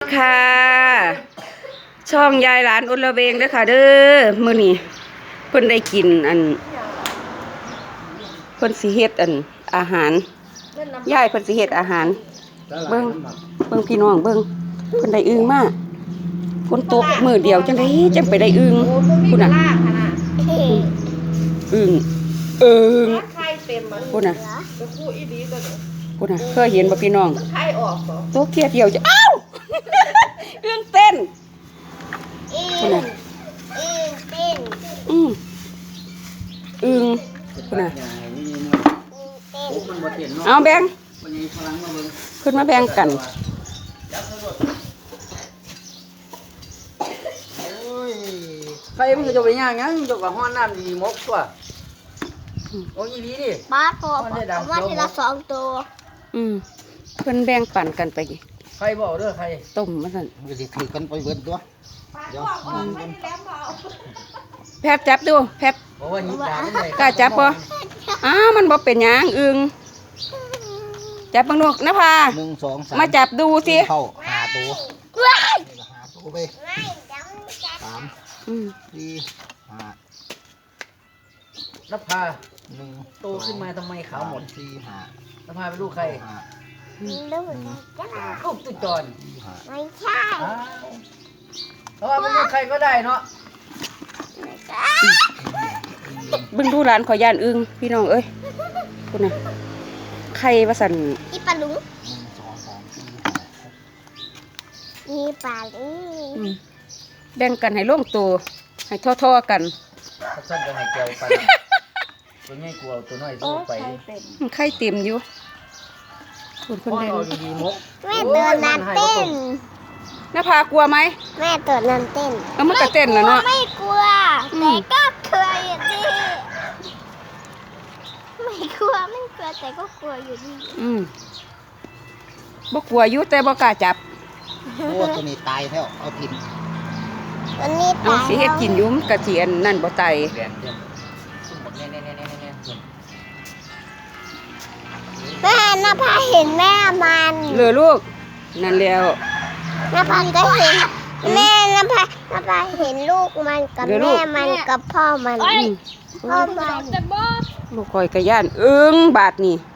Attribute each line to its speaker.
Speaker 1: ค่ะช่องยายหลานอุละเวงเด้อค่ะเด้อมื้อนี้เพิ่นได้กินเพิ่นสิเฮ็ดอาหารยายเพิ่นสิเฮ็ดอาหารเบิ่งพี่น้องเบิ่งเพิ่นได้อึ่งมาฝนตกมื้อเดียวจังได๋จังไปได้อึ่งพุ่นน่ะอึ่งพุ่นน่ะพุ่นน่ะเคยเห็นบ่พี่น้องตัวเกียเดียวจะอ้าวอึ่งเต้นพุ่นน่ะอึ่งพุ่นน่ะเอาแบ่งขึ้นมาแบ่งกัน
Speaker 2: ใครมันจะไปย่างงั้นจะกับห้อนน้ำดีมกตัวโอ้ยดีดิ
Speaker 3: ป้าพอว่าทีละ2 ตัว
Speaker 1: เพิ่นแบ่งปันกันไป
Speaker 2: ใครบอกเด้อใคร
Speaker 1: ต้มมาสั่น
Speaker 2: จะสิถือกันไปเบิดตัวเดี๋ยว
Speaker 1: แพทจับดูแพท
Speaker 2: บอกว่าหยิบดาบได้
Speaker 1: กล้าจับบ่มันบ่เป็นหยังอึ่งจับบังนกนะพา
Speaker 2: 1 2 3
Speaker 1: มาจับดูสิ
Speaker 2: เข้า5 ตัว5 ตัวไป3 4 5นภา1โตขึ้นมาทำไมขาวหมด4 5นภาเป็นลูกใครลูกตุ๊จอน
Speaker 3: ไม่ใช่
Speaker 2: เพราะว่าเป็นลูกใครก็ได้เนาะ
Speaker 1: เบิ่งดูร้านขอย่านอึ่งพี่น้องเอ้ยคุณน่ะไข่ว่าสั่น
Speaker 3: อีปลาลุงอีปลาลุง
Speaker 1: แบ่งกันให้ลงตัวให้ท่อๆกัน
Speaker 2: สั้นๆก็ให้แก้วไปตัวใหญ่กลัวตัวน้อยสู้ไป
Speaker 1: ไข่เต็มอยู่คนแดง
Speaker 3: แม่ตัวนั้นเต้น
Speaker 1: น้าพากลัวไหม
Speaker 3: แม่ตัวนั้นเต้น
Speaker 1: มันก็เต้นแล้วเนาะ
Speaker 3: ไม่กลัวแต่ก็เคยดิไม่กลัวแต่ก็กลัวอยู่ดี
Speaker 1: บ่กลัวอยู่แต่บ่กล้าจับ
Speaker 2: โอ้ตัวนี้ตายแล้วเอากิน
Speaker 3: ตัวนี้ตาย
Speaker 1: สิเฮ็ดกินอยู่มันก็สิอันนั่นบ่ตาย
Speaker 3: แม่นภาเห็นแม่มัน
Speaker 1: เลยลูกนั่นแล้ว
Speaker 3: นภาก็เห็นแม่นภาเห็นลูกมันกับแม่มันกับพ่อมัน
Speaker 1: ลูกคอยกระย่านอึ้งบาดนี่